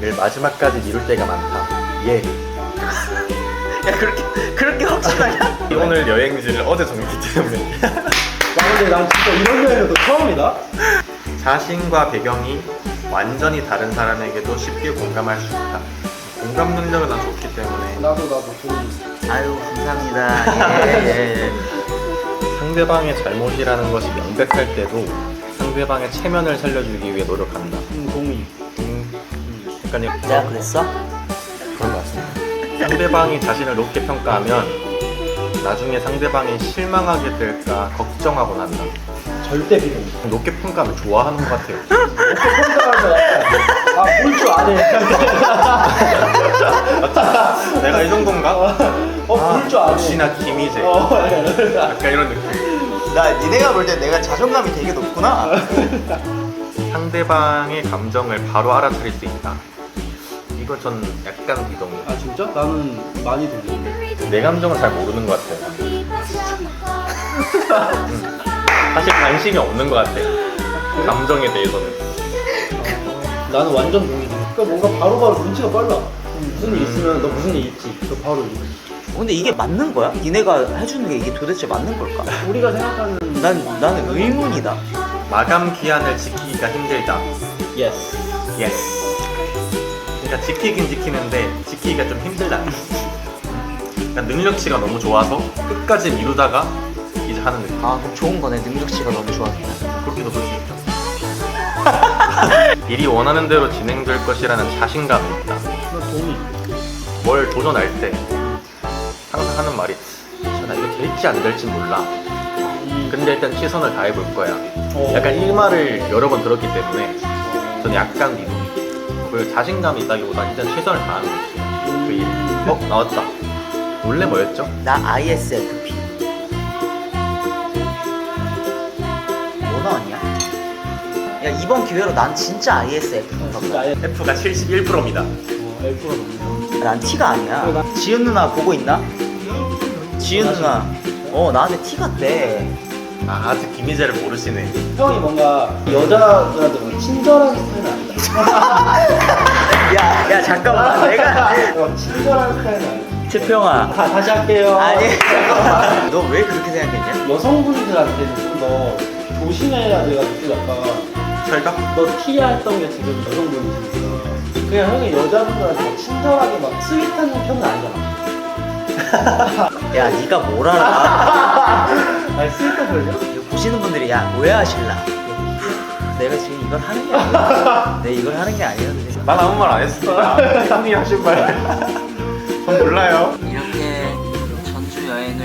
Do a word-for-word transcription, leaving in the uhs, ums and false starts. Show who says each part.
Speaker 1: 계획을 마지막까지 미룰 때가 많다. 예.
Speaker 2: 야 그렇게 그렇게 확실하냐?
Speaker 1: 오늘 여행지를 어제 정했기 때문에.
Speaker 3: 나 근데 난 진짜 이런 여행도 처음이다.
Speaker 1: 자신과 배경이 완전히 다른 사람에게도 쉽게 공감할 수 있다. 공감 능력은 난 좋기 때문에.
Speaker 3: 나도 나도 좋은.
Speaker 2: 아유 감사합니다. 예, 예, 예.
Speaker 1: 상대방의 잘못이라는 것이 명백할 때도 상대방의 체면을 살려주기 위해 노력한다.
Speaker 3: 음, 동의.
Speaker 1: 음, 약간
Speaker 2: 내가 그랬어?
Speaker 1: 그런 것 같습니다. 상대방이 자신을 높게 평가하면 나중에 상대방이 실망하게 될까 걱정하곤 한다.
Speaker 3: 절대 비동.
Speaker 1: 높게 평가하면 좋아하는 것 같아요.
Speaker 3: 어떻게 평가하면 아볼 줄 아네.
Speaker 1: 내가 이 정도인가?
Speaker 3: 어볼 줄 아네.
Speaker 1: 역시나 김희재.
Speaker 3: 어,
Speaker 1: 약간 이런 느낌.
Speaker 2: 나 니네가 볼 때 내가 자존감이 되게 높구나.
Speaker 1: 상대방의 감정을 바로 알아차릴 수 있다. 이거 전 약간 비동이에요.
Speaker 3: 아 진짜? 나는 많이 동의인데.
Speaker 1: 내 감정을 잘 모르는 것 같아요. 음. 사실 관심이 없는 것 같아요. 감정에 대해서는.
Speaker 3: 나는 완전 동의지. 그러니까 뭔가 바로바로 눈치가 빨라. 무슨 일 있으면 너 무슨 일 있지? 그 바로 일.
Speaker 2: 근데 이게 맞는 거야? 니네가 해주는 게 이게 도대체 맞는 걸까?
Speaker 3: 우리가 생각하는
Speaker 2: 난 나는 의문이다.
Speaker 1: 마감 기한을 지키기가 힘들다.
Speaker 3: 예스.
Speaker 1: 예스. 그러니까 지키긴 지키는데 지키기가 좀 힘들다. 그러니까 능력치가 너무 좋아서 끝까지 미루다가 이제 하는 느낌.
Speaker 2: 아 그럼 좋은 거네. 능력치가 너무 좋아서.
Speaker 1: 그렇게도 볼 수 있죠. 일이 원하는 대로 진행될 것이라는 자신감이 있다.
Speaker 3: 나 동의.
Speaker 1: 뭘 도전할 때 항상 하는 말이 자, 나 이거 될지 안 될지 몰라. 근데 일단 최선을 다해 볼 거야.
Speaker 3: 어.
Speaker 1: 약간 이 말을 여러 번 들었기 때문에 저는 약간 믿음. 그 자신감이 있다기보다 일단 최선을 다하는 거지. 그 일. 어? 나왔다. 원래 뭐였죠?
Speaker 2: 나 아이에스에프피. 뭐 나왔냐? 야 이번 기회로 난 진짜 아이에스에프피인가
Speaker 3: 진짜
Speaker 2: 보다.
Speaker 3: 아예
Speaker 1: F가 칠십일 퍼센트입니다.
Speaker 3: 어, F가 넘는.
Speaker 2: 난 T가 아니야.
Speaker 3: 그래, 나-
Speaker 2: 지은 누나 보고 있나? 지은 누나. 어 나한테 T 같대.
Speaker 1: 아, 아직 김희재를 모르시네.
Speaker 3: 형이 뭔가 여자들한테 뭐 친절한 스타일은 아니다.
Speaker 2: 야, 야 잠깐만. 내가
Speaker 3: 어, 친절한 스타일은 아니다.
Speaker 2: 채평아.
Speaker 3: 다, 다시 할게요.
Speaker 2: 아니. 너 왜 그렇게 생각했냐?
Speaker 3: 여성분들한테는 좀 더 조심해야 돼가지고 약간
Speaker 1: 철벽?
Speaker 3: 너 T야 했던 게 지금 여성분이시니까 그냥 형이 여자분들한테 막 친절하게 막 스윗한 편은 아니잖아.
Speaker 2: 야 네가 뭘 알아?
Speaker 3: 아니 스윗한 편이야?
Speaker 2: 이거 보시는 분들이 야 오해하실라. 내가 지금 이걸 하는 게 아니야. 내가 이걸 하는 게 아니었는데.
Speaker 1: 난 아무 말 안 했습니다. 형이 하신 말. 전 몰라요.